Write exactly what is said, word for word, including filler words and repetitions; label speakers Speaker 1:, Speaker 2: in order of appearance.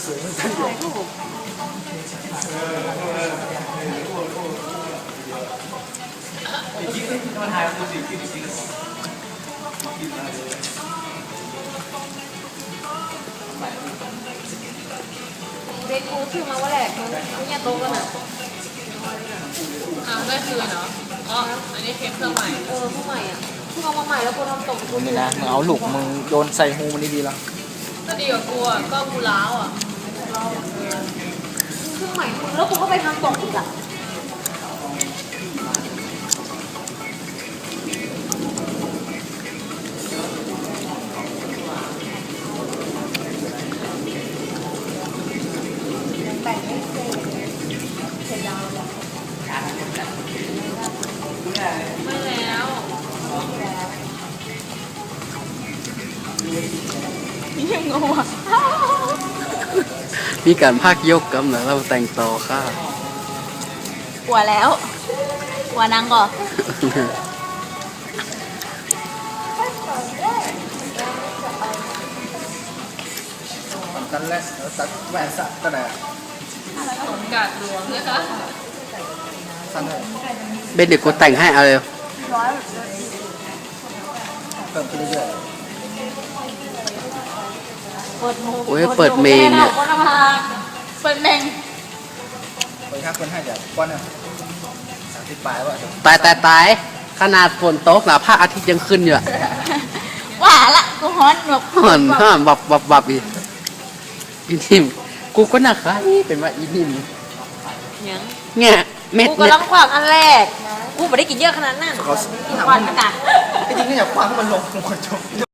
Speaker 1: ถ่ายรูปเด็กกูชื่อมาว่าแหลกมันเนี่ยโตกันอ่ะ
Speaker 2: อ่าได้คืนเนาะอ๋ออันนี้เค้กเครื่องใหม่
Speaker 1: เออผู้ใหม่อ่ะเพิ่งเอามาใหม่แล้วกูทำตกกู
Speaker 3: นี่นะมึงเอาลูกมึงโยนใส่หูมันดีๆแล้ว
Speaker 2: ก็ดีกว่ากูอ่ะก็กูล้าวอ่ะ
Speaker 1: เครื่องใหม่มึงแล้วกูก็ไปทำตกอีกอ่ะแต่งไม่เสร็จเสร็จแล้ว
Speaker 2: ไม่แล้ว
Speaker 1: ยังงงอ่ะ
Speaker 3: มีการพากยกกันนะเราแต่งต่อค่ะ
Speaker 1: กลัวแล้วกลัวนางก่อน
Speaker 3: กันแล้วตัดแหวนสักก็ได้
Speaker 2: สมกาดหลวงนะคะ
Speaker 3: สั้นเลยเบนเดี๋ยวกูแต่งให้เอาเลยเพิ่มขึ้นเรื่อย
Speaker 1: เปิดโม
Speaker 3: โอ้ยเปิดเมนเนี่ย
Speaker 1: เปิดเมง
Speaker 3: ๆเปิดค่าคนให้เดี๋ยวก้อนเนี่ยสามสิบปลายว่าตายตายตายขนาดฝนตกนะพระอาทิตย์ยังขึ้นอยู่อะ
Speaker 1: ว่าละกูฮ้อนแบบ
Speaker 3: ห่อนห่อนบับบับบับอีอีนิ่มกูก็น่าคล้ายเป็นว่าอีนิ่ม
Speaker 1: ยัง
Speaker 3: เนี่ยเม็ด
Speaker 1: กู
Speaker 3: เนี่ย
Speaker 1: กำลังขวางอันแรกกูไม่ได้กินเยอะขนาดนั้นขวางขนาด
Speaker 3: จริงๆก็อยากคว้างให้มันลงลงกระจก